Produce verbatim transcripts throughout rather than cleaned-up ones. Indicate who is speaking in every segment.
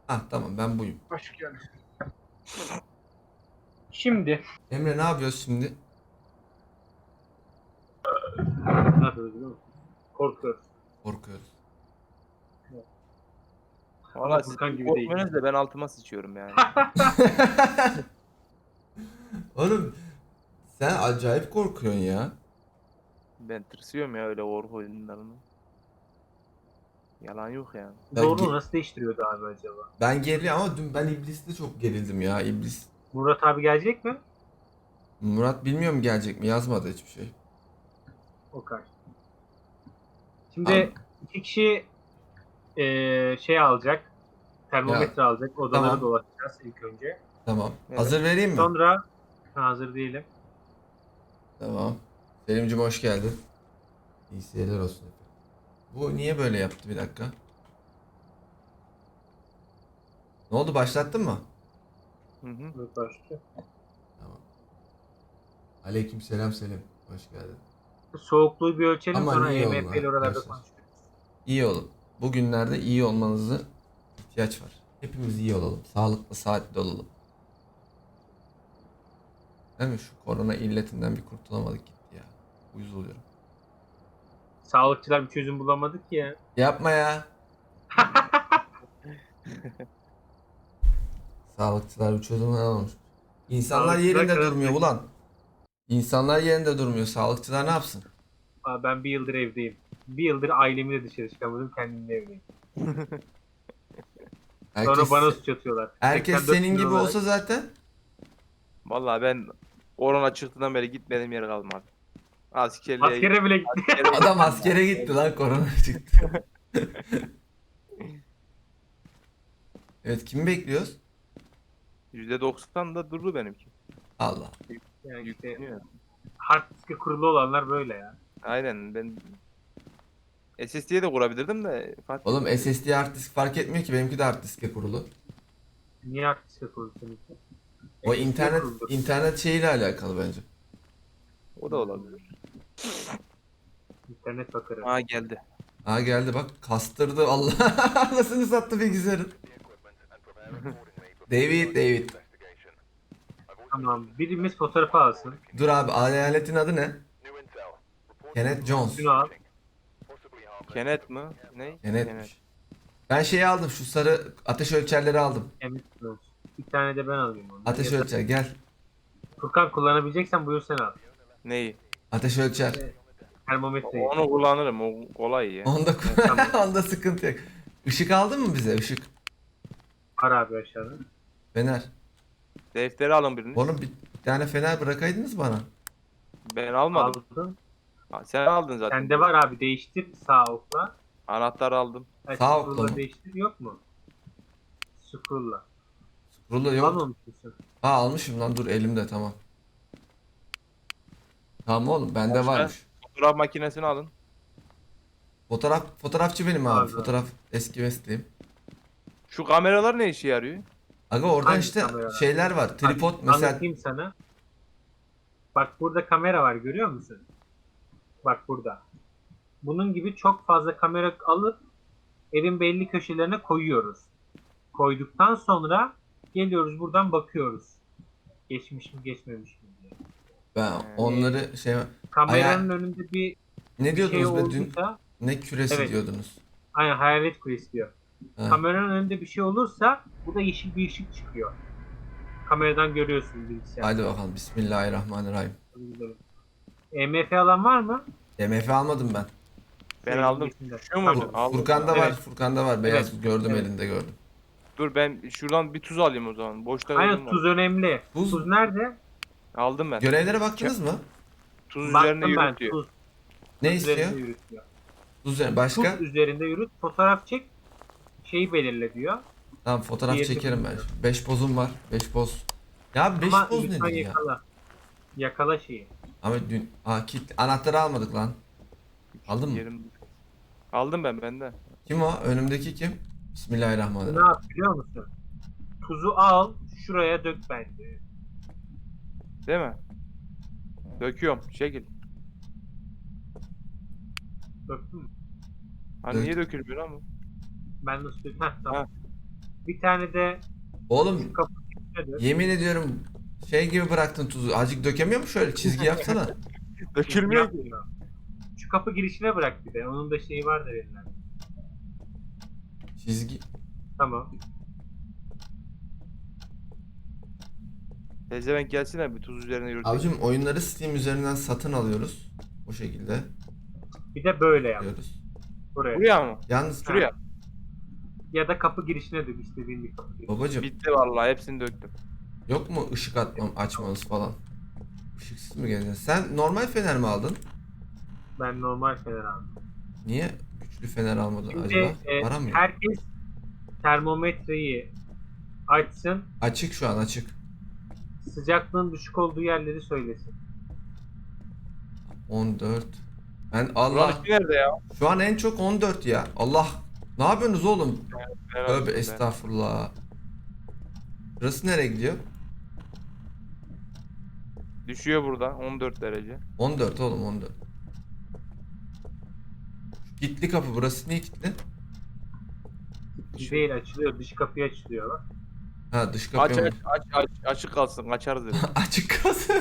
Speaker 1: Ah tamam, ben buyum.
Speaker 2: Hoş geldin. Şimdi
Speaker 1: Emre, ne yapıyoruz şimdi?
Speaker 2: ne yapıyoruz biliyor musun? Korkuyoruz.
Speaker 1: Korkuyoruz.
Speaker 2: Ama
Speaker 3: Valla siz
Speaker 2: Furkan
Speaker 3: çok
Speaker 2: gibi değil.
Speaker 3: korkmuyorsunuz da ben altıma sıçıyorum yani.
Speaker 1: Oğlum, sen acayip korkuyorsun ya.
Speaker 3: Ben tırsıyorum ya öyle korku oyunlarını. Yalan yok yani.
Speaker 1: Ben,
Speaker 2: Zorluğu
Speaker 1: ge-
Speaker 2: nasıl değiştiriyordu abi acaba?
Speaker 1: ben geriliyorum ama dün ben İblis'te çok gerildim ya. İblis.
Speaker 2: Murat abi gelecek mi?
Speaker 1: Murat bilmiyorum gelecek mi, yazmadı hiçbir şey.
Speaker 2: Okay.
Speaker 1: Tamam.
Speaker 2: Şimdi iki kişi eee, şey alacak.
Speaker 1: Ya
Speaker 2: Termometre alacak. Odaları
Speaker 1: tamam,
Speaker 2: dolaşacağız ilk önce.
Speaker 1: tamam.
Speaker 3: Evet.
Speaker 1: Hazır vereyim mi?
Speaker 2: Sonra ha, hazır değilim.
Speaker 1: Tamam. Selim'cim hoş geldin. İyi seyirler olsun. Bu niye böyle yaptı, bir dakika. Ne oldu, başlattın mı?
Speaker 3: Hı hı.
Speaker 2: Murat başlıyor.
Speaker 1: Tamam. Aleyküm selam Selim. Hoş geldin.
Speaker 2: Soğukluğu bir ölçelim
Speaker 1: Aman
Speaker 2: sonra
Speaker 1: iyi olun
Speaker 2: E M P ile oralarda
Speaker 1: arkadaşlar.
Speaker 2: konuşuruz.
Speaker 1: İyi olun. Bugünlerde iyi olmanızı ihtiyaç var. Hepimiz iyi olalım. Sağlıklı, saatli olalım. Değil mi? Şu korona illetinden bir kurtulamadık gitti ya. Uyuz oluyorum.
Speaker 2: Sağlıkçılar bir çözüm bulamadık ki ya.
Speaker 1: Yapma ya. Sağlıkçılar bir çözüm alamamış. İnsanlar
Speaker 2: Sağlıkçılar
Speaker 1: yerinde
Speaker 2: karar
Speaker 1: durmuyor ulan. İnsanlar yerinde durmuyor. Sağlıkçılar ne yapsın?
Speaker 2: Aa, ben bir yıldır evdeyim. Bir yıldır ailemi de dışarı çıkamadım. Kendim de evdeyim. Sonra
Speaker 1: Herkes,
Speaker 2: bana suç atıyorlar.
Speaker 1: herkes
Speaker 2: seksen dört
Speaker 1: senin
Speaker 2: milyon
Speaker 1: gibi
Speaker 2: olarak.
Speaker 1: olsa zaten.
Speaker 3: Valla ben korona çıktığından beri gitmediğim yer kalmadı. Askerliğe gittim.
Speaker 2: Askere bile gitti.
Speaker 3: Askere
Speaker 1: Adam askere gitti lan, korona çıktı. Evet, kimi bekliyoruz?
Speaker 3: yüzde doksan da durdu benimki.
Speaker 1: Allah.
Speaker 2: Yani işte
Speaker 3: Yükleniyor.
Speaker 2: hard disk'e kurulu olanlar böyle ya.
Speaker 3: Aynen ben S S D'ye de kurabilirdim de fark
Speaker 1: Oğlum
Speaker 3: etmedi.
Speaker 1: S S D hard disk fark etmiyor ki, benimki de hard diske kurulu.
Speaker 2: Niye hard disk'e kurulu seninki?
Speaker 1: O
Speaker 2: S S D'ye
Speaker 1: internet
Speaker 2: kuruludur.
Speaker 1: internet şeyiyle alakalı bence.
Speaker 3: O da olabilir.
Speaker 2: İnternet bakarı.
Speaker 3: Aa geldi.
Speaker 1: Aa geldi bak, kastırdı Allah. Anasını sattı bilgisayarın. David David.
Speaker 2: Tamam. Birimiz fotoğrafı alsın.
Speaker 1: Dur abi, aletin adı ne? Kenneth Jones.
Speaker 2: Şunu al.
Speaker 3: Kenet mi? Ne?
Speaker 1: Kenneth'miş. Ben şeyi aldım, şu sarı ateş ölçerleri aldım.
Speaker 2: Emin olsun. Bir tane de ben alayım onu.
Speaker 1: Ateş
Speaker 2: Ya da
Speaker 1: ölçer gel.
Speaker 2: Furkan kullanabileceksen buyur sen al.
Speaker 3: Neyi?
Speaker 1: Ateş ölçer.
Speaker 2: Termometreyi.
Speaker 3: Onu kullanırım. O kolay ya.
Speaker 1: Onda
Speaker 2: Tamam.
Speaker 1: onda sıkıntı yok. Işık aldın mı bize? Işık.
Speaker 2: Var abi aşağıda.
Speaker 1: Fener.
Speaker 3: Defteri alın birini.
Speaker 1: Oğlum bir tane fener bırakaydınız bana.
Speaker 3: Ben almadım.
Speaker 2: Aldın.
Speaker 3: Ha, sen aldın zaten.
Speaker 2: Sende var abi, değiştir sağ okla.
Speaker 3: Anahtarı aldım.
Speaker 2: Ha,
Speaker 1: Sağ
Speaker 2: scroll'la
Speaker 1: okla mı?
Speaker 2: değiştir, yok mu? Scroll'la.
Speaker 1: Rulo yok.
Speaker 2: Almamışsın.
Speaker 1: Ha almışım lan, dur elimde, tamam. Tamam oğlum, bende
Speaker 3: Başka?
Speaker 1: varmış.
Speaker 3: Fotoğraf makinesini alın.
Speaker 1: Fotoğraf fotoğrafçı benim abi.
Speaker 2: Abi.
Speaker 1: Fotoğraf eski mesleğim.
Speaker 3: Şu kameralar ne işe yarıyor?
Speaker 1: Aga oradan
Speaker 2: Hangi
Speaker 1: işte
Speaker 2: kamera?
Speaker 1: şeyler var. Tripod mesela.
Speaker 2: Anlatayım sana. Bak burada kamera var, görüyor musun? Bak burada. Bunun gibi çok fazla kamera alıp evin belli köşelerine koyuyoruz. Koyduktan sonra geliyoruz buradan bakıyoruz. Geçmiş mi geçmemiş mi diye.
Speaker 1: Ben onları şey
Speaker 2: Kameranın
Speaker 1: Aya-
Speaker 2: önünde bir
Speaker 1: ne
Speaker 2: şey
Speaker 1: diyordunuz be dün?
Speaker 2: olduysa,
Speaker 1: Ne küresi
Speaker 2: Evet.
Speaker 1: diyordunuz?
Speaker 2: aynen hayalet kulesi diyor.
Speaker 1: Ha.
Speaker 2: Kameranın önünde bir şey olursa bu da yeşil bir ışık çıkıyor. Kameradan görüyorsun bilgisayar.
Speaker 1: Hadi bakalım, Bismillahirrahmanirrahim.
Speaker 2: E M F alan var mı?
Speaker 1: M F almadım ben.
Speaker 3: Ben
Speaker 2: Şey,
Speaker 3: aldım.
Speaker 2: içinde.
Speaker 3: Şu muydu?
Speaker 2: Tamam.
Speaker 3: Aldım.
Speaker 1: Furkan'da
Speaker 2: Evet.
Speaker 1: var, Furkan'da var. Beyaz
Speaker 2: Evet.
Speaker 1: gördüm,
Speaker 2: Evet.
Speaker 1: elinde gördüm.
Speaker 3: Dur ben şuradan bir tuz alayım o zaman. Boşta
Speaker 2: Aynen,
Speaker 3: gördüm var.
Speaker 2: tuz önemli.
Speaker 1: Tuz-
Speaker 2: Tuz, nerede?
Speaker 3: Aldım ben.
Speaker 1: Görevlere baktınız mı?
Speaker 3: Tuz üzerine
Speaker 2: Baktım ben,
Speaker 3: yürüt diyor.
Speaker 2: tuz.
Speaker 1: Ne
Speaker 2: Tuz
Speaker 1: istiyor?
Speaker 2: üzerinde yürüt diyor.
Speaker 1: Tuz üzerine. Başka?
Speaker 2: Tuz üzerinde yürüt, fotoğraf çek, şeyi belirle diyor.
Speaker 1: Tamam, fotoğraf
Speaker 2: Diğerini
Speaker 1: çekerim ben.
Speaker 2: bilmiyorum.
Speaker 1: beş pozum var. beş poz. Ya beş
Speaker 2: Ama
Speaker 1: poz
Speaker 2: lütfen
Speaker 1: nedir ya?
Speaker 2: yakala. Yakala şeyi.
Speaker 1: Ama dün Aa, kit anahtarı almadık lan. Aldın mı?
Speaker 3: Yerim. Aldım ben bende.
Speaker 1: Kim o? Önümdeki kim?
Speaker 2: Ne
Speaker 1: Bismillahirrahmanirrahim.
Speaker 2: yap biliyor musun? Tuzu al, şuraya dök bence.
Speaker 3: Değil mi? Döküyorum. Şekil.
Speaker 2: Döktün mü?
Speaker 3: Hani
Speaker 1: Dök.
Speaker 3: niye dökülmüyor ama?
Speaker 2: Ben nasıl dök? Heh, tamam.
Speaker 3: Ha.
Speaker 2: Bir tane de
Speaker 1: Oğlum
Speaker 2: kapı nedir?
Speaker 1: yemin ediyorum şey gibi bıraktın tuzu. Azıcık dökemiyor mu şöyle? Çizgi yapsana.
Speaker 3: Dökülmüyor ki.
Speaker 2: Yapmıyor. Şu kapı girişine bırak bir de. Onun da şeyi var da verilen.
Speaker 1: Çizgi.
Speaker 2: Tamam.
Speaker 3: Pezevenk gelsene bir tuz üzerine yürütelim.
Speaker 1: Abicim oyunları Steam üzerinden satın alıyoruz. O şekilde
Speaker 2: Bir de böyle yap.
Speaker 1: yapıyoruz.
Speaker 2: Buraya.
Speaker 3: Buraya mı?
Speaker 1: Yalnız
Speaker 3: Şuraya.
Speaker 2: Ya da kapı girişine dök istediğin bir kapı girişine.
Speaker 1: babacım
Speaker 3: Bitti vallahi hepsini döktüm.
Speaker 1: yok mu ışık atmam açmanız falan? Işıksız mı geleceksin? Sen normal fener mi aldın?
Speaker 2: Ben normal fener aldım.
Speaker 1: Niye güçlü fener almadın
Speaker 2: Şimdi
Speaker 1: acaba?
Speaker 2: e,
Speaker 1: Para mı yok?
Speaker 2: herkes termometreyi açsın.
Speaker 1: Açık şu an açık.
Speaker 2: Sıcaklığın düşük olduğu yerleri söylesin.
Speaker 1: on dört. Ben
Speaker 3: Buranın
Speaker 1: Allah
Speaker 3: ışığı nerede ya?
Speaker 1: şu an en çok on dört ya. Allah. Ne yapıyorsunuz oğlum?
Speaker 3: Merak
Speaker 1: Tövbe
Speaker 3: ettim ben.
Speaker 1: estağfurullah. Burası nereye gidiyor?
Speaker 3: Düşüyor burada on dört derece.
Speaker 1: on dört oğlum on dört. Şu kilitli kapı burası niye kilitli?
Speaker 2: Değil açılıyor. Dış kapıyı açılıyor bak.
Speaker 1: Ha dış
Speaker 3: Aç
Speaker 1: kapı mı?
Speaker 3: aç aç aç açık kalsın açarız dedi.
Speaker 1: Açık kalsın.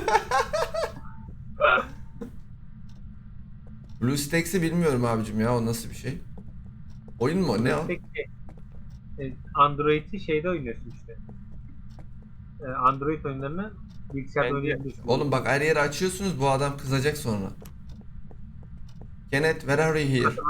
Speaker 1: BlueStacks'i bilmiyorum abicim ya o nasıl bir şey? Oyun mu o? Ne o?
Speaker 2: Peki, e, Android'i şeyde oynuyorsun işte. E, Android oyunlarını bilgisayarda
Speaker 3: Bence-
Speaker 2: oynayabiliyorsun.
Speaker 1: Oğlum bak her yeri açıyorsunuz bu adam kızacak sonra. Kenneth where are you here?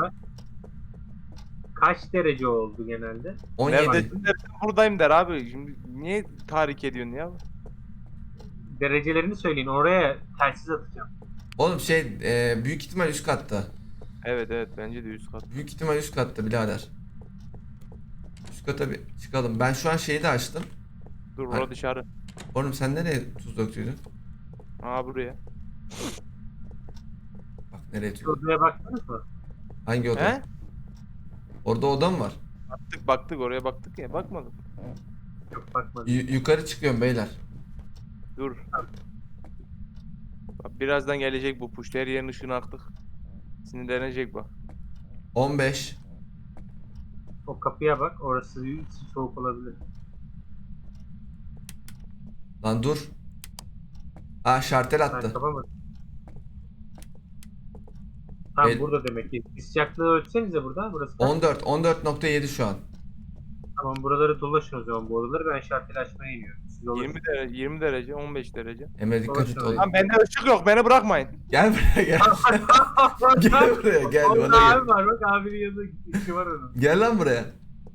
Speaker 2: Kaç derece oldu genelde?
Speaker 1: on yedi.
Speaker 3: Neredesin dersen buradayım der abi. Şimdi niye tahrik ediyorsun ya?
Speaker 2: Derecelerini söyleyin. Oraya telsiz atacağım.
Speaker 1: Oğlum şey e, büyük ihtimal üst katta.
Speaker 3: Evet evet bence de üst kat.
Speaker 1: Büyük ihtimal üst katta birader. Üst kata bir çıkalım. Ben şu an şeyi de açtım.
Speaker 3: Dur
Speaker 1: Hayır.
Speaker 3: bura dışarı.
Speaker 1: Oğlum sen nereye tuz döktüydün?
Speaker 3: Aa buraya.
Speaker 1: Bak nereye tuz.
Speaker 2: Odaya baktınız mı?
Speaker 1: Hangi oda?
Speaker 3: He?
Speaker 1: Orada oda mı var?
Speaker 3: Baktık baktık oraya baktık ya bakmadım.
Speaker 2: Yok bakmadım.
Speaker 1: Y- yukarı çıkıyorum beyler.
Speaker 3: Dur. Bak, birazdan gelecek bu push. Her yerin ışığını aktık. Sinirlenecek bak.
Speaker 1: on beş.
Speaker 2: O kapıya bak. Orası içi soğuk olabilir.
Speaker 1: Lan dur. Ha şartel
Speaker 2: Ben
Speaker 1: attı.
Speaker 2: kapamadım. Tam
Speaker 1: El-
Speaker 2: burada demek ki. Bir sıcaklığı ölçsenize burada. Burası kaç?
Speaker 1: on dört. on dört nokta yedi şu an.
Speaker 2: Tamam buraları dolaşın o zaman bu odaları. Ben şarteli açmaya iniyorum. Siz dolaşın.
Speaker 3: yirmi derece, yirmi derece, on beş derece.
Speaker 1: Emre dikkat et
Speaker 2: Dolaşın
Speaker 1: oğlum.
Speaker 3: Lan bende ışık yok, beni bırakmayın.
Speaker 1: Gel buraya gel. Gel buraya gel
Speaker 2: Orada
Speaker 1: bana
Speaker 2: abi
Speaker 1: gel.
Speaker 2: var bak abinin yanında işi var onun.
Speaker 1: Gel lan buraya.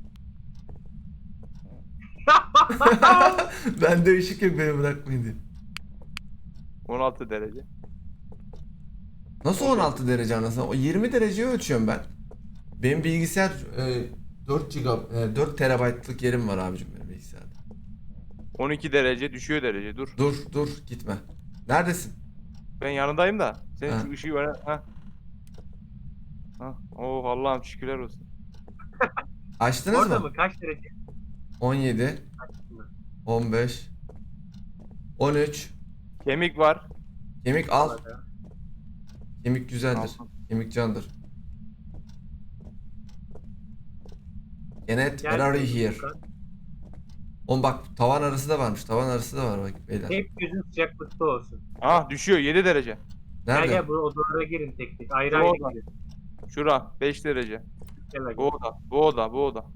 Speaker 1: Bende ışık yok beni bırakmayın diye.
Speaker 3: on altı derece.
Speaker 1: Nasıl on altı derece anasını? O yirmi dereceyi ölçüyorum ben. Benim bilgisayar e, dört giga, e, dört terabaytlık yerim var abicim benim bilgisayarda.
Speaker 3: on iki derece, düşüyor derece. Dur.
Speaker 1: Dur dur gitme. Neredesin?
Speaker 3: Ben yanındayım da. Sen
Speaker 1: Ha.
Speaker 3: şu ışığı ver. Ha. Ha. Oh Allah'ım şükürler olsun.
Speaker 1: Açtınız
Speaker 2: Orada
Speaker 1: mı?
Speaker 2: mı? Kaç derece?
Speaker 1: on yedi, on beş, on üç.
Speaker 3: Kemik var.
Speaker 1: Kemik al.
Speaker 2: Orada.
Speaker 1: Kemik güzeldir.
Speaker 3: Aldım.
Speaker 1: Kemik candır. Kenneth
Speaker 2: Gel
Speaker 1: where are you
Speaker 2: bakalım
Speaker 1: here?
Speaker 2: Furkan.
Speaker 1: Oğlum bak tavan arası da varmış. Tavan arası da var bak beyler.
Speaker 2: Hep gözün sıcaklıkta olsun.
Speaker 3: Ah düşüyor yedi derece.
Speaker 2: Gel
Speaker 1: Nerede?
Speaker 2: gel bu odalara girin tek tek. Ayrı
Speaker 3: Orada.
Speaker 2: ayrı girin.
Speaker 3: Şura beş derece.
Speaker 2: Gel gel.
Speaker 3: Bu oda, bu oda, bu oda.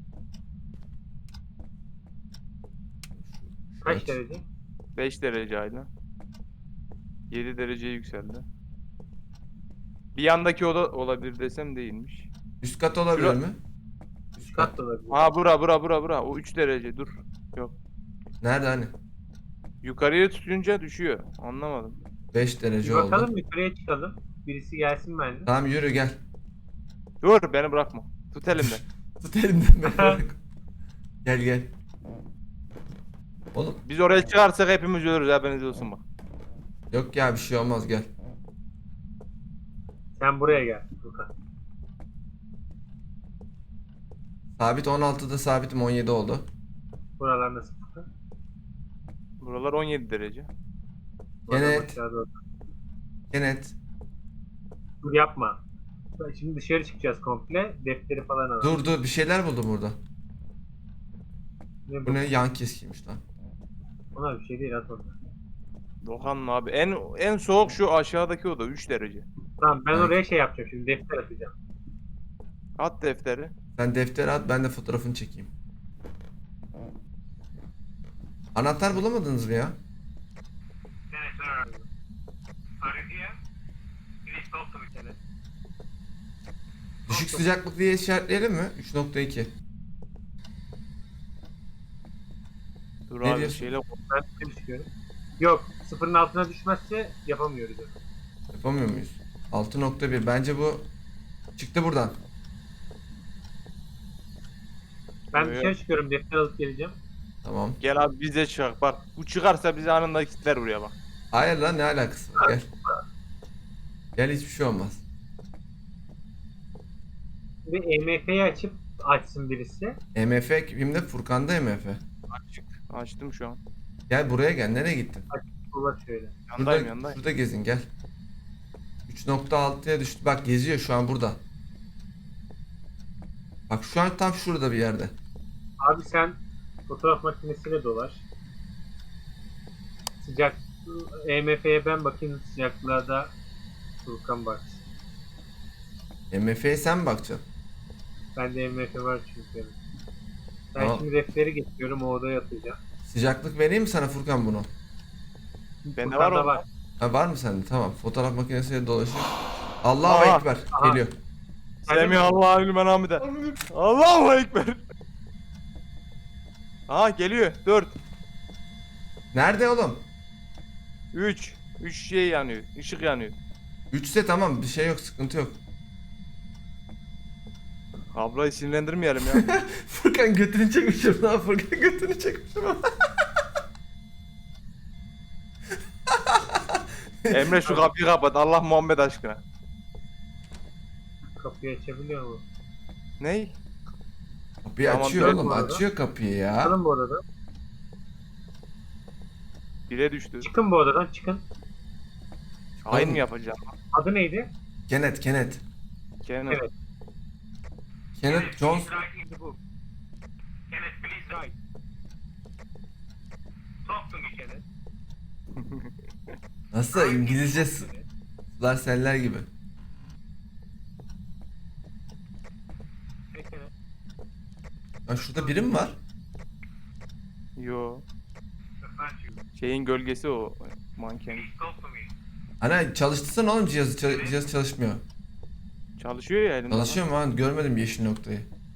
Speaker 2: Kaç
Speaker 1: Evet.
Speaker 2: derece?
Speaker 3: beş derece aynen. yedi dereceye yükseldi. Bir yandaki oda olabilir desem değilmiş.
Speaker 1: Üst kat olabilir
Speaker 3: Şura-
Speaker 1: mi? Üst kat.
Speaker 2: Kat da olabilir.
Speaker 3: Ha bura bura bura bura. O üç derece dur.
Speaker 1: Nerede hani?
Speaker 3: Yukarıya tutunca düşüyor. Anlamadım.
Speaker 1: beş
Speaker 2: Bir
Speaker 1: derece
Speaker 2: bakalım
Speaker 1: oldu.
Speaker 2: yukarıya çıkalım. Birisi gelsin bence.
Speaker 1: Tamam yürü gel.
Speaker 3: Dur beni bırakma. Tut elimden.
Speaker 1: Tut elimden beni bırak. Gel gel. Oğlum
Speaker 3: Biz oraya çıkarsak hepimiz ölürüz haberiniz olsun bak.
Speaker 1: yok ya bir şey olmaz gel.
Speaker 2: Sen buraya gel. Furkan.
Speaker 1: Sabit on altıda sabitim on yedi oldu.
Speaker 2: Buralar nasıl Furkan?
Speaker 3: Buralar on yedi derece.
Speaker 2: Buradan
Speaker 1: Evet.
Speaker 2: aşağı doğru.
Speaker 1: Kenneth.
Speaker 2: Dur yapma. Şimdi dışarı çıkacağız komple. Defteri falan alalım.
Speaker 1: Dur dur bir şeyler buldum burada.
Speaker 2: Ne
Speaker 1: Bu
Speaker 2: bu?
Speaker 1: ne yan keskiymiş lan.
Speaker 2: Ona bir şey değil at onu.
Speaker 3: Dokanma abi. En en soğuk şu aşağıdaki oda üç derece.
Speaker 2: Tamam ben
Speaker 1: Evet.
Speaker 2: oraya şey yapacağım şimdi defter atacağım.
Speaker 3: At defteri.
Speaker 1: Sen defteri at, ben de fotoğrafını çekeyim. Anahtar bulamadınız mı ya?
Speaker 2: Evet sir. Are you here? Please talk to me Kenneth.
Speaker 1: Düşük sıcaklık diye işaretleyelim mi? üç nokta iki.
Speaker 3: Dur
Speaker 1: Ne
Speaker 3: abi
Speaker 1: diyorsun?
Speaker 3: şeyle
Speaker 2: Ben dışarı çıkıyorum. Yok sıfırın altına düşmezse yapamıyoruz onu.
Speaker 1: Yapamıyor muyuz? altı nokta bir. Bence bu çıktı buradan.
Speaker 2: Ben
Speaker 3: Evet.
Speaker 2: dışarı çıkıyorum defter alıp geleceğim.
Speaker 1: Tamam.
Speaker 3: gel abi bize çıkar. Bak bu çıkarsa bizi anında kilitler buraya bak.
Speaker 1: Hayır lan, ne alakası var? Gel. Gel, hiçbir şey olmaz.
Speaker 2: Bir E M F'yi açıp açsın birisi.
Speaker 1: E M F kimde? Furkan'da E M F.
Speaker 3: Açık. Açtım şu an.
Speaker 1: Gel buraya gel. Nereye gittin?
Speaker 2: Ulaş şöyle.
Speaker 3: Yandayım
Speaker 1: Şurada,
Speaker 3: yandayım.
Speaker 1: şurada gezin gel. üç nokta altıya düştü. Bak geziyor şu an burada. Bak şu an tam şurada bir yerde.
Speaker 2: Abi sen fotoğraf makinesiyle dolaş. Sıcak E M F'ye ben bakayım sıcaklığa da Furkan baksın.
Speaker 1: E M F'ye sen mi bakacaksın?
Speaker 2: Bende E M F var çünkü. Ben
Speaker 1: Tamam.
Speaker 2: şimdi defteri getiriyorum o odaya atacağım.
Speaker 1: Sıcaklık vereyim mi sana Furkan bunu?
Speaker 3: Bende var
Speaker 2: Furkan'da
Speaker 3: o.
Speaker 1: Ha, var mı sende? Tamam. Fotoğraf makinesiyle dolaşıyor. Allahu
Speaker 3: Aha.
Speaker 1: Ekber.
Speaker 2: Aha.
Speaker 1: Geliyor.
Speaker 3: Semi Allah'u lümen hamide. Allahu ekber. Aha geliyor. dört,
Speaker 1: Nerede oğlum?
Speaker 3: üç, üç şey yanıyor. Işık yanıyor.
Speaker 1: üçse tamam, bir şey yok, sıkıntı yok.
Speaker 3: Ablayı sinirlendirmeyelim ya.
Speaker 1: Furkan götünü çekmişim lan, Furkan götünü çekmişim.
Speaker 3: Emre şu kapıyı kapat. Allah Muhammed aşkına.
Speaker 2: Kapıyı açabiliyor mu?
Speaker 3: Ney?
Speaker 1: Kapıyı
Speaker 3: Tamam,
Speaker 1: açıyor
Speaker 2: dön
Speaker 1: oğlum,
Speaker 2: bu arada.
Speaker 1: açıyor kapıyı ya.
Speaker 2: Çıkalım bu odadan.
Speaker 3: Bire düştü.
Speaker 2: Çıkın bu odadan çıkın.
Speaker 3: Hain
Speaker 1: Oğlum.
Speaker 3: mi yapacağım?
Speaker 2: Adı neydi?
Speaker 1: Kenneth, Kenneth.
Speaker 3: Kenan.
Speaker 2: Evet.
Speaker 1: Kenneth Jones.
Speaker 2: Kenneth, please write. Talk to me, Kenneth.
Speaker 1: Nasıl İngilizce sular seller gibi.
Speaker 2: Hey, Kenneth.
Speaker 1: Ya şurada biri mi var?
Speaker 3: Yo.
Speaker 2: Thank you.
Speaker 3: Şeyin gölgesi o. Manken.
Speaker 2: Please talk to me.
Speaker 1: Ana çalıştırsana oğlum cihazı, ça- cihaz çalışmıyor.
Speaker 3: Çalışıyor ya elinde.
Speaker 1: Çalışıyor mu lan? Görmedim yeşil noktayı.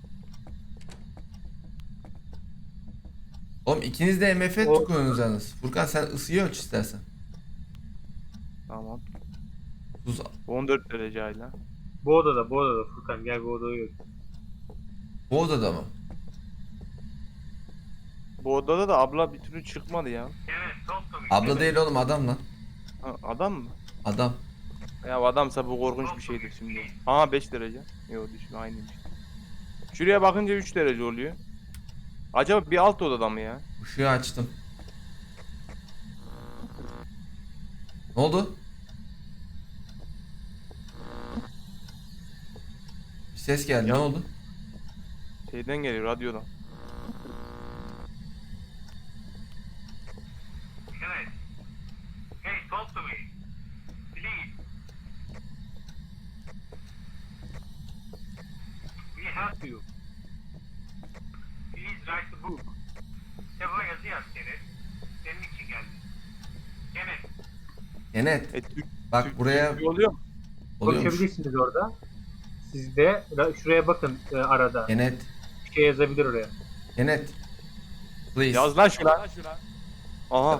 Speaker 1: Oğlum ikiniz de M F
Speaker 2: O-
Speaker 1: tutuyorsunuz yalnız. Furkan sen ısıyı ölç istersen.
Speaker 3: Tamam.
Speaker 1: Tuz
Speaker 3: on dört derece hala.
Speaker 2: Bu odada, bu odada Furkan gel bu odaya gör.
Speaker 1: bu odada mı?
Speaker 3: Bu odada da abla bir türlü çıkmadı ya.
Speaker 2: Kenneth, talk to me.
Speaker 1: Abla değil oğlum, adam lan.
Speaker 3: Ha, adam mı?
Speaker 1: Adam.
Speaker 3: Ya adamsa bu korkunç bir şeydir şimdi. Aha beş derece. Yok düşme aynıymış. Şuraya bakınca üç derece oluyor. Acaba bir alt odada mı ya?
Speaker 1: Işığı açtım. Ne oldu? Bir ses geldi.
Speaker 3: Ya.
Speaker 1: Ne oldu?
Speaker 3: Şeyden geliyor radyodan.
Speaker 2: Kenneth. Hey, talk to me. Please. We help you. Please write the book. Kitaba yazı yaz Kenneth. Senin için geldim. Kenneth.
Speaker 1: Kenneth.
Speaker 3: E, Türk,
Speaker 1: Bak
Speaker 3: Türk-
Speaker 1: buraya
Speaker 3: Türkçe oluyor mu?
Speaker 1: oluyormuş.
Speaker 2: Konuşabilirsiniz orada. Siz de ra- şuraya bakın e, arada.
Speaker 1: Kenneth.
Speaker 2: Bir şey yazabilir oraya.
Speaker 1: Kenneth. Please.
Speaker 3: Yaz lan şuna. Aha.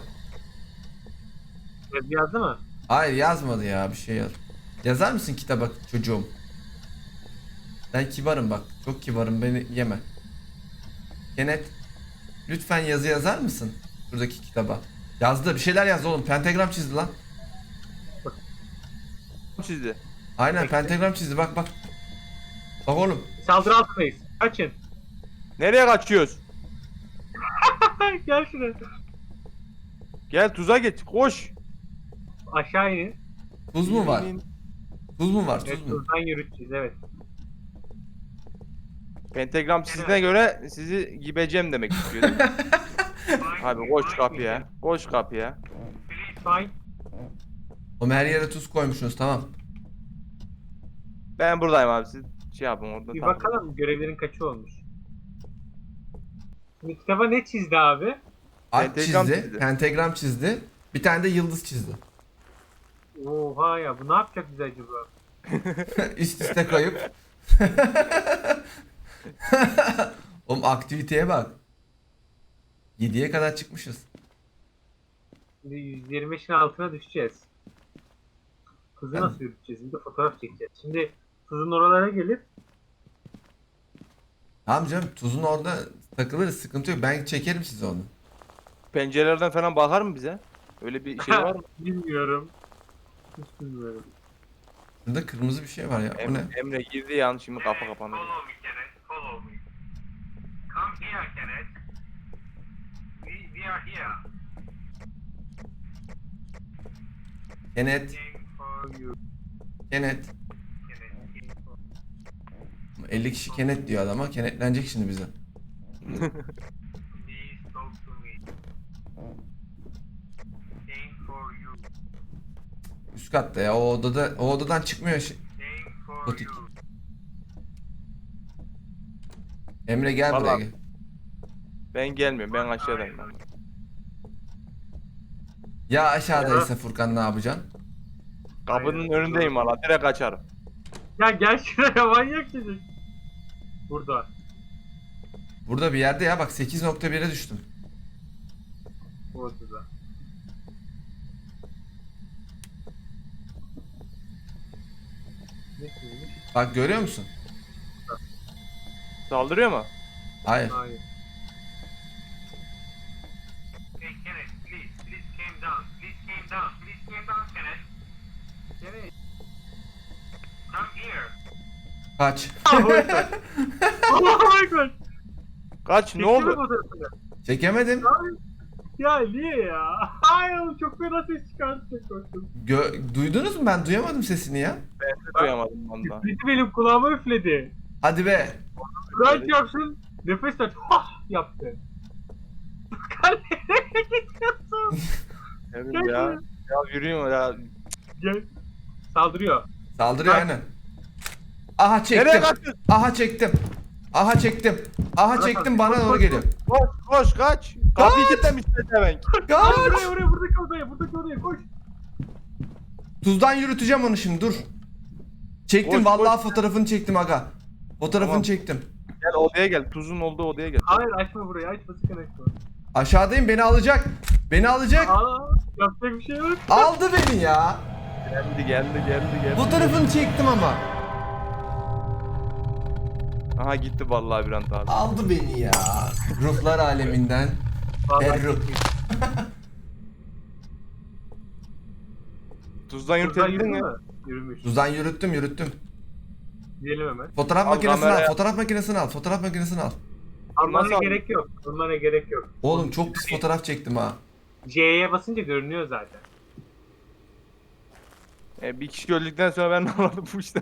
Speaker 2: Yazı yazdı mı?
Speaker 1: Hayır yazmadı ya, bir şey yaz. Yazar mısın kitaba çocuğum? Ben kibarım bak. Çok kibarım, beni yeme. Kenneth. Lütfen yazı yazar mısın? Şuradaki kitaba. Yazdı, bir şeyler yazdı oğlum. Pentagram çizdi lan.
Speaker 3: Çizdi.
Speaker 1: Aynen
Speaker 2: Peki.
Speaker 1: pentagram çizdi, bak bak. Bak oğlum.
Speaker 2: Saldırı altındayız. Kaçın.
Speaker 3: Nereye kaçıyoruz?
Speaker 2: Gel şuraya.
Speaker 3: Gel tuza geç. Koş.
Speaker 2: Aşağı inin.
Speaker 1: Tuz mu var?
Speaker 3: İn, in.
Speaker 1: Tuz mu var?
Speaker 2: Evet,
Speaker 1: Tuz mu?
Speaker 2: buradan yürüteceğiz evet.
Speaker 3: Pentagram sizine göre sizi gibeceğim demek istiyor değil mi? Abi koş kapıya. Koş kapıya.
Speaker 2: Please find.
Speaker 1: Oğlum her yere tuz koymuşsunuz, tamam.
Speaker 3: Ben buradayım abi, siz şey yapın orada.
Speaker 2: Bir
Speaker 3: tamam.
Speaker 2: bakalım görevlerin kaçı olmuş. Şimdi kitaba ne çizdi abi?
Speaker 1: Alp
Speaker 3: Pentagram
Speaker 1: çizdi,
Speaker 3: çizdi.
Speaker 1: pentagram çizdi. Bir tane de yıldız çizdi.
Speaker 2: Oha ya, bu ne yapacak bize acaba?
Speaker 1: Üst üste koyup. Oğlum aktiviteye bak. yediye kadar çıkmışız.
Speaker 2: Şimdi yüz yirmi beşin altına düşeceğiz. Kızı nasıl yürüteceğiz? Şimdi fotoğraf çekeceğiz. Şimdi kızın oralara gelip
Speaker 1: Tamam canım, tuzun orada takılırız, sıkıntı yok. Ben çekerim size onu.
Speaker 3: Pencerelerden falan bakar mı bize? Öyle bir şey var mı?
Speaker 2: bilmiyorum. Hiç bilmiyorum.
Speaker 1: Burada kırmızı bir şey var ya. O ne?
Speaker 3: Emre, Emre girdi yan, şimdi kafa kapandı.
Speaker 2: Follow me, Kenneth. Follow me. Come here, Kenneth. We, we are here.
Speaker 1: Kenet,
Speaker 2: Waiting for you,
Speaker 1: kenet.
Speaker 2: Kenneth. Waiting for-
Speaker 1: elli kişi kenet diyor adama. Kenetlenecek şimdi bize.
Speaker 2: Please talk to me. Waiting for you.
Speaker 1: Üst katta ya. O odada, o odadan çıkmıyor. şey-
Speaker 2: Waiting for
Speaker 1: Gotik.
Speaker 2: you.
Speaker 1: Emre gel buraya
Speaker 3: Vallahi-
Speaker 1: gel.
Speaker 3: Ben gelmiyorum, ben aşağıdayım. Ben.
Speaker 1: Ya aşağıdaysa Furkan ne yapacaksın?
Speaker 3: Kapının önündeyim valla, direkt açarım.
Speaker 2: Ya gel şuraya, manyak çocuk. Burada.
Speaker 1: Burada bir yerde ya, bak sekiz nokta bire düştüm.
Speaker 2: Ortada. Ne çizmiş?
Speaker 1: Bak görüyor musun?
Speaker 3: Saldırıyor mu?
Speaker 1: Hayır.
Speaker 2: Hayır. Hey Kenneth, please, please came down, please came down, please came down, Kenneth. Kenneth. Come here.
Speaker 1: Kaç.
Speaker 2: Allahu Ekber. Allahu Ekber.
Speaker 3: Kaç, ne oldu?
Speaker 1: Çekemedim.
Speaker 2: Ya niye ya? Ay oğlum, çok fena ses çıkarttı, çok korktum.
Speaker 1: Gö- Duydunuz mu? Ben duyamadım sesini ya.
Speaker 3: Ben de duyamadım valla.
Speaker 2: Üfledi, benim kulağıma üfledi.
Speaker 1: Hadi be.
Speaker 2: Right yapsın, nefes at, hah yaptı. Furkan nereye gidiyorsun?
Speaker 3: Evet ya. Ya yürüyün ya.
Speaker 2: Gel. Saldırıyor.
Speaker 1: Saldırıyor
Speaker 2: Kaç.
Speaker 1: aynen. Aha
Speaker 3: Nereye
Speaker 1: çektim.
Speaker 3: kaçtın?
Speaker 1: Aha çektim. Aha çektim. Aha çektim, bana doğru geliyor.
Speaker 3: Koş koş kaç. Kapıyı kilitlemiş pezevenk.
Speaker 2: Hadi
Speaker 1: Kaç.
Speaker 2: buraya, buraya, buradaki odaya, buradaki odaya koş.
Speaker 1: Tuzdan yürüteceğim onu şimdi, dur. Çektim
Speaker 3: Koş,
Speaker 1: vallahi,
Speaker 3: koş.
Speaker 1: fotoğrafını çektim aga. Fotoğrafını
Speaker 3: Tamam.
Speaker 1: çektim.
Speaker 3: Gel odaya gel. Tuzun olduğu odaya gel.
Speaker 2: Hayır, açma burayı, açma, sakın açma.
Speaker 1: Aşağıdayım, beni alacak. Beni alacak.
Speaker 2: Aa, yapacak bir şey yok.
Speaker 1: Aldı beni ya.
Speaker 3: Geldi geldi geldi geldi.
Speaker 1: Fotoğrafını çektim ama.
Speaker 3: Aha gitti vallahi bir an abi.
Speaker 1: Aldı beni ya. Ruhlar aleminden.
Speaker 2: Vallahi
Speaker 1: Erruh.
Speaker 2: çok iyi.
Speaker 3: Tuzdan
Speaker 2: Buradan
Speaker 3: yürütebildin
Speaker 2: yürüdü
Speaker 3: mi?
Speaker 2: mü? Yürümüş.
Speaker 1: Tuzdan yürüttüm yürüttüm.
Speaker 2: Diyelim hemen.
Speaker 1: Fotoğraf
Speaker 3: Al
Speaker 1: makinesini al,
Speaker 3: kameraya.
Speaker 1: fotoğraf makinesini al, fotoğraf makinesini al.
Speaker 2: Almana
Speaker 3: Nasıl
Speaker 2: gerek yok. Almana gerek yok.
Speaker 1: Oğlum çok pis fotoğraf çektim ha.
Speaker 2: C'ye basınca görünüyor zaten.
Speaker 3: E, bir kişi öldükten sonra ben ne anladım bu işten.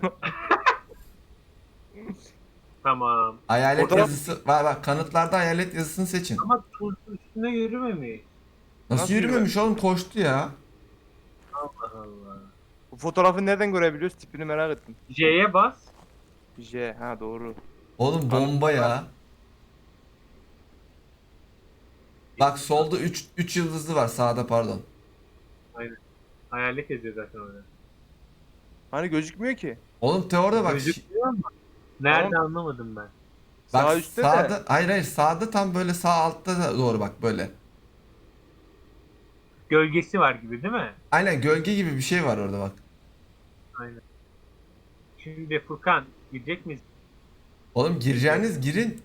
Speaker 2: Tamam.
Speaker 1: Hayalet
Speaker 3: Fotoğraf-
Speaker 1: yazısı var bak, kanıtlarda hayalet yazısını seçin.
Speaker 2: Ama tuz üstüne yürümemiş.
Speaker 1: Nasıl,
Speaker 3: Nasıl
Speaker 1: yürümemiş oğlum, koştu ya.
Speaker 2: Allah Allah.
Speaker 3: Bu fotoğrafı nereden görebiliyoruz? Tipini merak ettim.
Speaker 2: J'ye bas.
Speaker 3: J, ha doğru.
Speaker 1: Oğlum bomba ya. Bak solda üç üç yıldızlı var, sağda pardon.
Speaker 2: Hayalet yazıyor zaten orada.
Speaker 3: Hani gözükmüyor ki.
Speaker 1: Oğlum teoride bak.
Speaker 2: Gözüküyor ama. Nerede anlamadım ben.
Speaker 3: Sağ
Speaker 1: Bak
Speaker 3: üstte
Speaker 1: sağda,
Speaker 3: de.
Speaker 1: hayır hayır, sağda tam böyle sağ altta da doğru bak böyle.
Speaker 2: Gölgesi var gibi değil mi?
Speaker 1: Aynen gölge gibi bir şey var orada bak.
Speaker 2: Aynen. Şimdi Furkan gidecek miyiz?
Speaker 1: Oğlum gireceğiniz girin.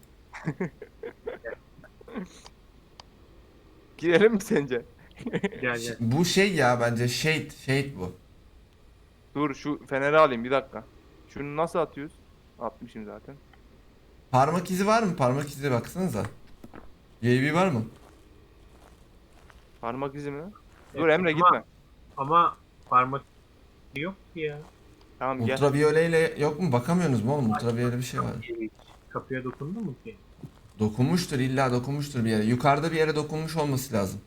Speaker 3: Girelim mi sence?
Speaker 2: Gel gel.
Speaker 1: Bu şey ya, bence shade, shade bu.
Speaker 3: Dur şu feneri alayım bir dakika. Şunu nasıl atıyoruz? Atmışım zaten.
Speaker 1: Parmak izi var mı? Parmak izi baksanıza. U V var mı?
Speaker 3: Parmak izi mi? Dur
Speaker 2: Evet,
Speaker 3: Emre
Speaker 2: ama-
Speaker 3: gitme.
Speaker 2: Ama parmak yok ki ya.
Speaker 3: Tamam gel.
Speaker 1: Ultraviyole ile yok mu? Bakamıyorsunuz mu oğlum? Ultraviyole bir şey var.
Speaker 2: Kapıya dokundu mu ki?
Speaker 1: Dokunmuştur, illa dokunmuştur bir yere. Yukarıda bir yere dokunmuş olması lazım.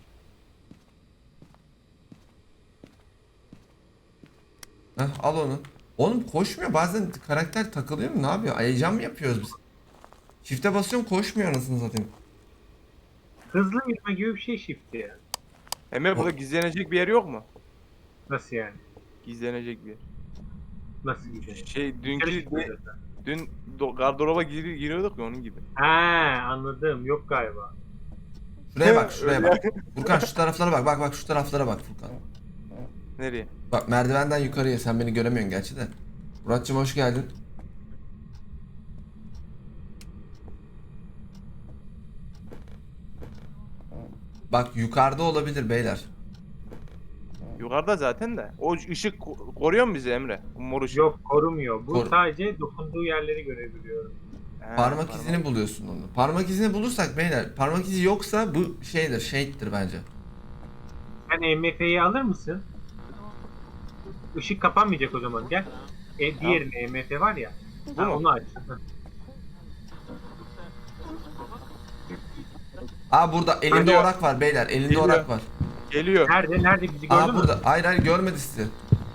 Speaker 1: Heh, al onu. Oğlum koşmuyor, bazen karakter takılıyor mu, ne yapıyor? Heyecan mı yapıyoruz biz? Çifte basıyorum, koşmuyor anasını satayım.
Speaker 2: Hızlı yürüme gibi bir şey shift ya.
Speaker 3: Emre burada gizlenecek bir yer yok mu?
Speaker 2: Nasıl yani?
Speaker 3: Gizlenecek bir yer.
Speaker 2: Nasıl gidiyor?
Speaker 3: Şey dünkü
Speaker 2: Dışarı çıkıyor zaten.
Speaker 3: dün do- gardıroba gir giriyorduk ya onun gibi.
Speaker 2: He anladım. Yok galiba.
Speaker 1: Şuraya bak, şuraya
Speaker 3: Öyle.
Speaker 1: bak. Furkan şu taraflara bak, bak bak şu taraflara bak Furkan.
Speaker 3: Nereye?
Speaker 1: Bak merdivenden yukarıya, sen beni göremiyorsun gerçi de. Muratcığım hoş geldin. Bak yukarıda olabilir beyler.
Speaker 3: Yukarıda zaten de. O ışık ko- koruyor mu bizi Emre? O mor ışık.
Speaker 2: Yok korumuyor. Bu
Speaker 1: Kor-
Speaker 2: sadece dokunduğu yerleri görebiliyorum.
Speaker 3: He,
Speaker 1: Parmak izini buluyorsun onu. Parmak izini bulursak beyler, parmak izi yoksa bu şeydir, shade'dir bence.
Speaker 2: Sen E M F'yi alır mısın? Işık kapanmayacak o zaman gel. E, diğerine E M F var ya.
Speaker 3: Bu
Speaker 2: Ha,
Speaker 3: mu?
Speaker 2: onu aç. Hı.
Speaker 1: Aa burada elimde
Speaker 3: Geliyor.
Speaker 1: orak var beyler, elimde
Speaker 3: Geliyor.
Speaker 1: orak var.
Speaker 3: Geliyor.
Speaker 2: Nerede? Nerede bizi gördü
Speaker 1: Aa
Speaker 2: mü?
Speaker 1: burada. Hayır hayır görmedi sizi.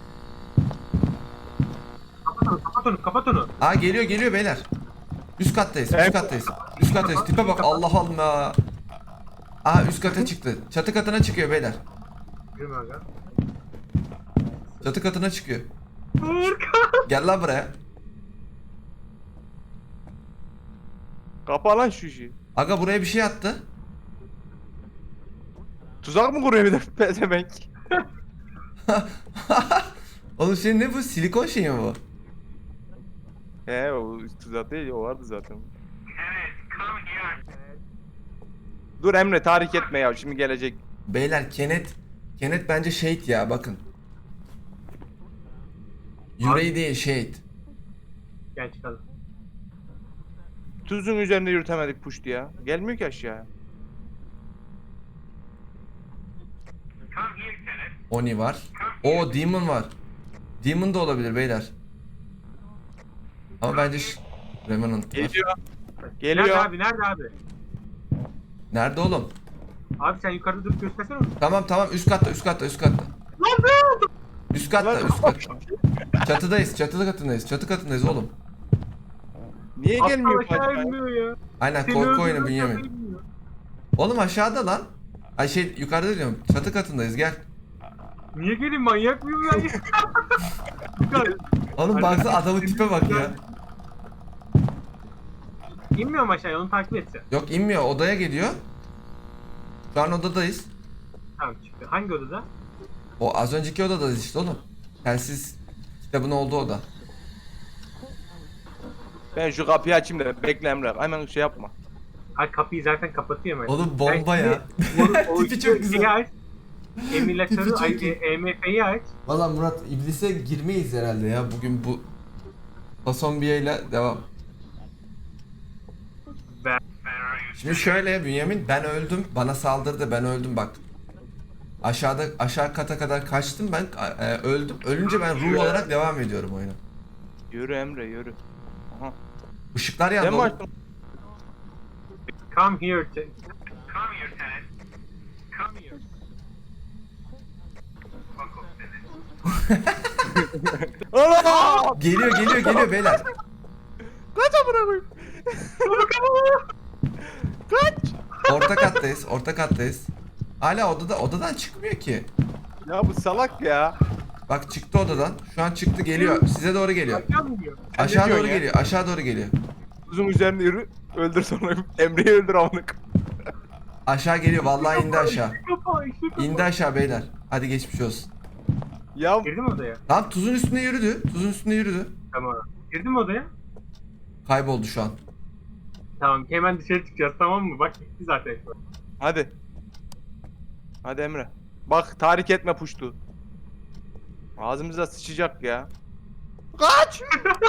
Speaker 2: Kapat onu, kapat onu, kapat onu.
Speaker 1: Aa geliyor geliyor beyler. Üst kattayız, üst
Speaker 3: Evet.
Speaker 1: kattayız. Üst kattayız. Tipe bak, Allah Allah. Aa üst kata çıktı. Çatı katına çıkıyor beyler.
Speaker 2: Yürüme aga.
Speaker 1: Çatı katına çıkıyor.
Speaker 2: Furkan.
Speaker 1: Gel lan buraya.
Speaker 3: Kapa lan şu işi.
Speaker 1: Aga buraya bir şey attı.
Speaker 3: Tuzak mı kuruyor bir de pezevenk?
Speaker 1: Oğlum şey ne bu? Silikon şey mi bu?
Speaker 3: He o tuzak değil o vardı zaten. Dur Emre tahrik etme ya şimdi gelecek.
Speaker 1: Beyler Kenet. Kenet bence shade ya, bakın. Yüreği değil shade.
Speaker 2: Gel çıkalım.
Speaker 3: Tuzun üzerinde yürütemedik puştu ya. Gelmiyor ki aşağıya.
Speaker 1: Oni var. O Demon var. Demon da olabilir beyler. Ama bence ş- Revenant var.
Speaker 3: Geliyor.
Speaker 2: Nerede
Speaker 3: Geliyor.
Speaker 2: abi? Nerede abi?
Speaker 1: Nerede oğlum?
Speaker 2: Abi sen yukarıda durup göstersene.
Speaker 1: Tamam tamam, üst katta üst katta üst katta. Üst katta üst katta. Çatıdayız, çatı katındayız, çatı katındayız oğlum.
Speaker 3: Niye gelmiyor
Speaker 2: Aptal aşağı
Speaker 3: Fatma?
Speaker 2: inmiyor ya.
Speaker 1: Aynen,
Speaker 2: Seni
Speaker 1: korku oyunu
Speaker 2: öldürüyor,
Speaker 1: Bünyamin.
Speaker 2: aşağı inmiyor.
Speaker 1: Oğlum aşağıda lan. Ay şey yukarıda diyorum, çatı katındayız gel.
Speaker 2: Niye geleyim, manyak mıyım ben ya? Furkan,
Speaker 1: Oğlum baksana adamın tipe bak ya.
Speaker 2: İnmiyorum aşağıya, onu takip etsin.
Speaker 1: Yok inmiyor, odaya geliyor. Şu an odadayız.
Speaker 2: Tamam çıktı. Hangi odada?
Speaker 1: O az önceki odadayız işte oğlum. Telsiz kitabın olduğu oda.
Speaker 3: Ben şu kapıyı açayım da bekle Emre. Hemen şey yapma.
Speaker 2: Ay kapıyı zaten kapatıyor hemen.
Speaker 1: Oğlum bomba
Speaker 2: Sen
Speaker 1: ya.
Speaker 2: şimdi o- o
Speaker 1: Tipi çok güzel.
Speaker 2: şeyi aç. Emülatörü,
Speaker 1: Tipi çok
Speaker 2: ay,
Speaker 1: iyi.
Speaker 2: E M F'yi aç.
Speaker 1: Valla Murat, iblise girmeyiz herhalde ya bugün bu Fasombiye ile devam.
Speaker 2: Ben...
Speaker 1: Şimdi şöyle Bünyamin, ben öldüm, bana saldırdı, ben öldüm bak. Aşağıda aşağı kata kadar kaçtım ben, e, öldüm. Ölünce ben ruh olarak devam ediyorum oyuna.
Speaker 3: Yürü Emre yürü. Aha.
Speaker 1: Işıklar
Speaker 3: Ben
Speaker 1: yandı
Speaker 3: mi
Speaker 1: oğlum.
Speaker 3: açtım?
Speaker 2: Come here. Te- Come here tenant. Come here. Fuck off tenant.
Speaker 3: Allah!
Speaker 1: Geliyor geliyor geliyor beyler.
Speaker 3: Kaç amına koyayım. Kaç.
Speaker 1: Orta kattayız, orta kattayız. Hala odada, odadan çıkmıyor ki.
Speaker 3: Ya bu salak ya.
Speaker 1: Bak çıktı odadan. Şu an çıktı, geliyor. Size doğru geliyor.
Speaker 2: Aşağı mı gidiyor?
Speaker 3: Sen ne
Speaker 1: Aşağı
Speaker 3: diyorsun
Speaker 1: doğru
Speaker 3: ya?
Speaker 1: geliyor. Aşağı doğru geliyor.
Speaker 3: Tuzun üzerinde yürü. Öldür sonra. Emre'yi öldür amına koyayım.
Speaker 1: Aşağı geliyor. Vallahi indi aşağı.
Speaker 2: Kapa, işte kapa.
Speaker 1: İndi aşağı beyler. Hadi geçmiş olsun.
Speaker 3: Ya
Speaker 2: Girdi mi odaya?
Speaker 1: Tamam, tuzun üstüne yürüdü. Tuzun üstüne yürüdü.
Speaker 2: Tamam. Girdi mi odaya?
Speaker 1: Kayboldu şu an.
Speaker 2: Tamam hemen dışarı çıkacağız tamam mı? Bak gitti zaten.
Speaker 3: hadi. Hadi Emre. Bak tahrik etme puştu. Ağzımıza sıçacak ya. Kaç!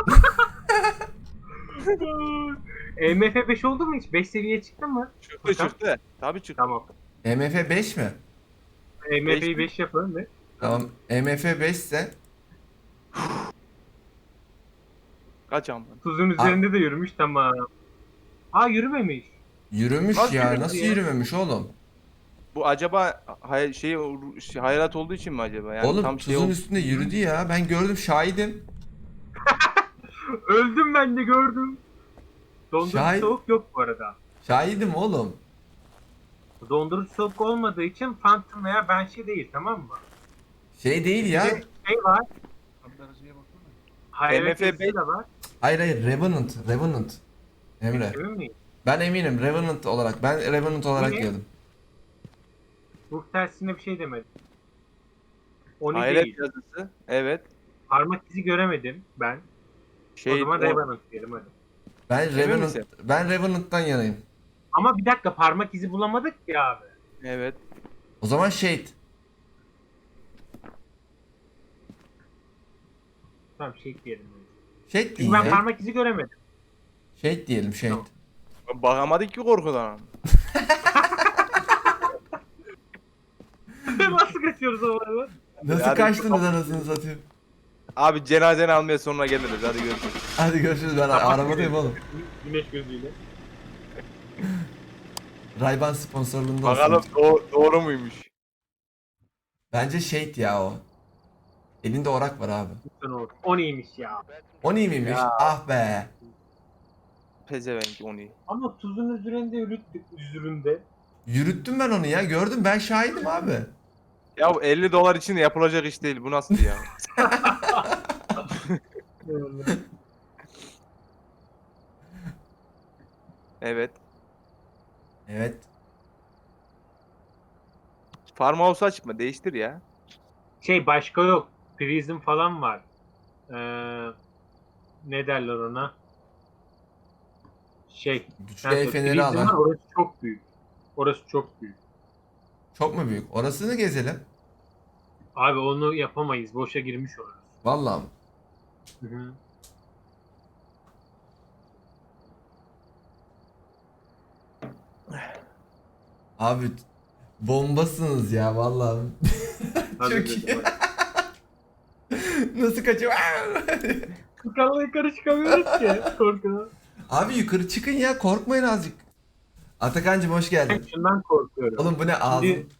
Speaker 2: E M F beş oldu mu hiç? beş seviyeye çıktın mı?
Speaker 3: Çıktı çıktı. Tabii çıktı.
Speaker 2: Tamam.
Speaker 1: E M F beş mi?
Speaker 2: E M
Speaker 3: Beş
Speaker 2: F'yi beş yapalım ve
Speaker 1: Tamam. E M F beş ise
Speaker 3: Kaç amına.
Speaker 2: tuzun üzerinde de yürümüş tamam. Aa yürümemiş.
Speaker 1: Yürümüş
Speaker 3: Nasıl
Speaker 1: ya.
Speaker 3: yürümedi
Speaker 1: Nasıl
Speaker 3: ya?
Speaker 1: yürümemiş oğlum?
Speaker 3: Bu acaba hay şey, şey hayalet olduğu için mi acaba? Yani
Speaker 1: Oğlum
Speaker 3: tam şey
Speaker 1: tuzun
Speaker 3: oldu.
Speaker 1: üstünde yürüdü ya. Ben gördüm, şahidim.
Speaker 2: Öldüm ben de gördüm. Dondurucu
Speaker 1: Şahit-
Speaker 2: soğuk yok bu arada.
Speaker 1: Şahidim oğlum.
Speaker 2: Dondurucu soğuk olmadığı için Phantom veya Banshee değil, tamam mı?
Speaker 1: Şey değil
Speaker 2: Bir
Speaker 1: ya.
Speaker 2: de şey var. Hayalet
Speaker 3: M F
Speaker 2: yazısı
Speaker 3: beş
Speaker 2: da var.
Speaker 1: Hayır hayır, Revenant. Revenant. Emre.
Speaker 2: Emin miyim?
Speaker 1: Ben eminim Revenant olarak. Ben Revenant olarak
Speaker 2: ne?
Speaker 1: diyordum.
Speaker 2: Ruh tersine bir şey demedim. Onu
Speaker 3: Hayalet
Speaker 2: değil.
Speaker 3: yazısı. Evet.
Speaker 2: Parmak izi göremedim ben.
Speaker 3: Şey
Speaker 2: o zaman
Speaker 3: o-
Speaker 2: Revenant diyelim hadi.
Speaker 1: Ben
Speaker 3: Emin
Speaker 1: Revenant
Speaker 3: misin?
Speaker 1: ben Revenant'tan yanayım.
Speaker 2: Ama bir dakika, parmak izi bulamadık ya abi.
Speaker 3: Evet.
Speaker 1: O zaman Shade.
Speaker 2: Tamam şey diyelim.
Speaker 1: Shade
Speaker 2: Çünkü
Speaker 1: değil
Speaker 2: ben
Speaker 1: ya.
Speaker 2: parmak izi göremedim.
Speaker 1: Shade diyelim, Shade.
Speaker 2: Tamam.
Speaker 3: Bakamadık ki korkudan.
Speaker 2: Nasıl kaçıyoruz o arada?
Speaker 1: Nasıl
Speaker 3: Hadi-
Speaker 1: kaçtınız anasını satayım?
Speaker 3: Abi cenazeni almaya sonra geliriz. Hadi görüşürüz.
Speaker 1: Hadi görüşürüz, ben arabadayım oğlum.
Speaker 2: Güneş gözüyle.
Speaker 1: Ray-Ban sponsorluğunda
Speaker 3: Bakalım
Speaker 1: olsun.
Speaker 3: doğ- doğru muymuş?
Speaker 1: Bence Shade ya o. Elinde orak var abi.
Speaker 2: Lütfen olsun. O neymiş ya?
Speaker 1: O iyi miymiş?
Speaker 3: Ya.
Speaker 1: Ah be.
Speaker 3: Pezevenk onu.
Speaker 2: Ama tuzun üzerinde yürüttük, üzerinde.
Speaker 1: Yürüttüm ben onu ya. Gördüm, ben şahidim abi.
Speaker 3: Ya bu elli dolar için de yapılacak iş değil. Bu nasıl ya? Evet.
Speaker 1: Evet.
Speaker 3: Farmhouse açma. Değiştir ya.
Speaker 2: Şey başka yok. Prism falan var. Ee, ne derler ona? Şey.
Speaker 1: Güçlü
Speaker 2: sen
Speaker 1: el
Speaker 2: söyle.
Speaker 1: feneri
Speaker 2: Prism
Speaker 1: al
Speaker 2: var,
Speaker 1: ha.
Speaker 2: orası çok büyük. Orası çok büyük.
Speaker 1: Çok mu büyük? Orasını gezelim.
Speaker 2: Abi onu yapamayız. Boşa girmiş oluruz.
Speaker 1: Vallahi.
Speaker 2: Hı hı.
Speaker 1: Abi bombasınız ya vallahi.
Speaker 2: Hadi
Speaker 1: Çok
Speaker 2: dedim,
Speaker 1: iyi.
Speaker 2: hadi.
Speaker 1: Nasıl kaçıyor?
Speaker 2: Yukarıda yukarı çıkamıyoruz ki korkudan.
Speaker 1: Abi yukarı çıkın ya, korkmayın azıcık. Atakan'cım hoş geldin.
Speaker 2: Ben şundan korkuyorum.
Speaker 1: Oğlum bu ne, ağzın
Speaker 2: Şimdi-